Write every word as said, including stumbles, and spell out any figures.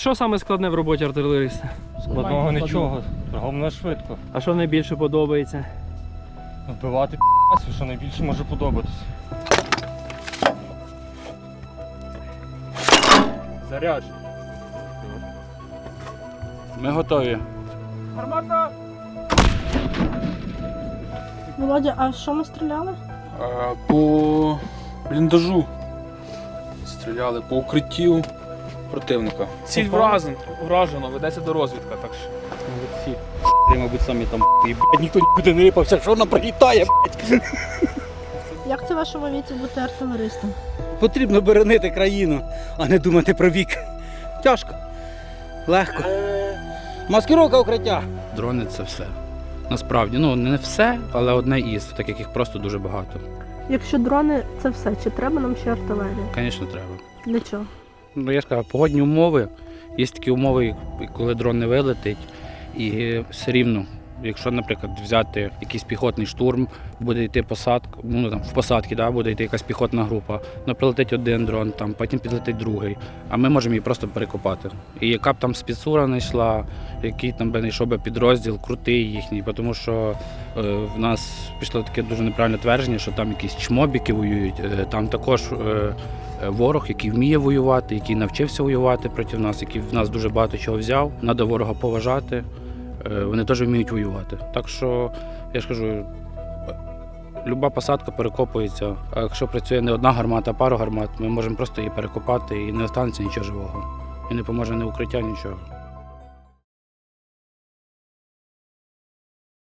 що саме складне в роботі артилериста? Складного нічого, головне швидко. А що найбільше подобається? Вбивати п***ю, що найбільше може подобатися. Заряд. Ми готові. Гармата! Володя, а що ми стріляли? А, по бліндажу стріляли, по укриттю противника. Ціль вражен, вражено, ведеться до розвідка, так що. Молодці. Ти, мабуть, самі там і, блядь, ніхто нікуди не рипався, що вона прилітає, блядь. Як це в вашому віці бути артилеристом? Потрібно боронити країну, а не думати про вік. Тяжко, легко. Маскировка укриття. Дрони – це все. Насправді, ну не все, але одне із, так як їх просто дуже багато. Якщо дрони це все, чи треба нам ще артилерія? Звісно, треба. Для чого? Ну, я ж кажу, погодні умови, є такі умови, коли дрон не вилетить, і все рівно, якщо, наприклад, взяти якийсь піхотний штурм, буде йти посадка, ну там в посадці, да, буде йти якась піхотна група, ну прилетить один дрон, там, потім підлетить другий, а ми можемо її просто перекопати. І яка б там спецура не йшла, який там би не йшов би підрозділ, крутий їхній, тому що е, в нас пішло таке дуже неправильне твердження, що там якісь чмобіки воюють, е, там також е, ворог, який вміє воювати, який навчився воювати проти нас, який в нас дуже багато чого взяв, треба ворога поважати. Вони теж вміють воювати. Так що, я ж кажу, люба посадка перекопується. А якщо працює не одна гармата, а пару гармат, ми можемо просто її перекопати і не останеться нічого живого. І не поможе ні укриття, нічого.